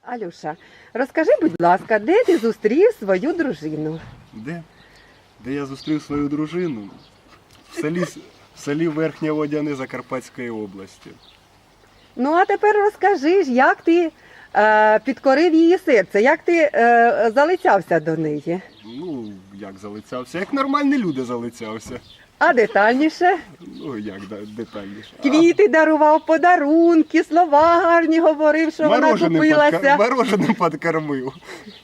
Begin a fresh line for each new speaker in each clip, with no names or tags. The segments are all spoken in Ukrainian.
Алюша, розкажи, будь ласка, де ти зустрів свою дружину?
Де? Де я зустрів свою дружину? В селі Верхнє Водяне Закарпатської області.
Ну, а тепер розкажи ж, як ти підкорив її серце, як ти залицявся до неї?
Ну, як залицявся? Як нормальні люди залицявся.
А детальніше?
Ну, як детальніше.
Квіти дарував, подарунки, слова гарні говорив, що вона купилася.
Мороженим підкормив.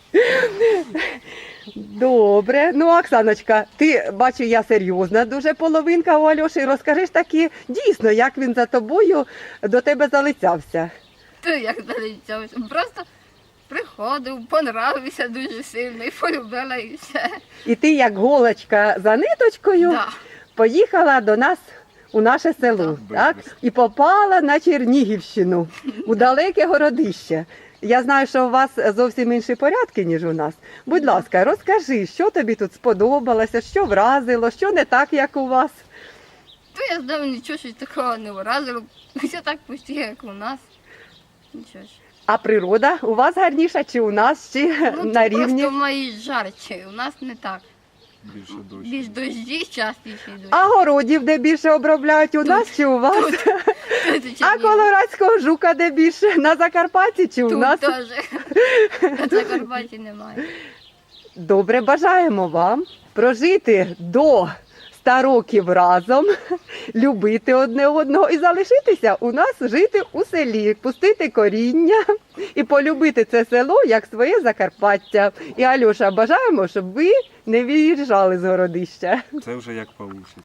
Добре. Ну, Оксаночка, ти, бачу, я серйозна дуже половинка у Альоші. Розкажи ж таки, дійсно, як він за тобою до тебе залицявся.
То як залицявся. Просто приходив, понравився дуже сильно і полюбила і все.
І ти, як голочка за ниточкою,
Да.
поїхала до нас у наше село,
Да,
так?
без.
І попала на Чернігівщину, у далеке городище. Я знаю, що у вас зовсім інші порядки, ніж у нас. Будь ласка, розкажи, що тобі тут сподобалося, що вразило, що не так, як у вас.
То я здав нічого щось такого не вразило. Все так почти, як у нас. Нічого ж.
А природа у вас гарніша, чи у нас, чи
Ну,
на
тут
рівні?
просто мої жарче, у нас не так.
Більше дощ.
Більш дощі частіше йдуть.
А городів де більше обробляють, у нас чи у вас?
Тут
А
Чернігів.
колорадського жука де більше? На Закарпатті чи у
Тут
нас?
теж. На Закарпатті немає.
Добре, бажаємо вам прожити до 100 років разом, любити одне одного і залишитися у нас жити у селі, пустити коріння і полюбити це село як своє Закарпаття. І, Альоша, бажаємо, щоб ви не виїжджали з городища.
Це вже як вийде.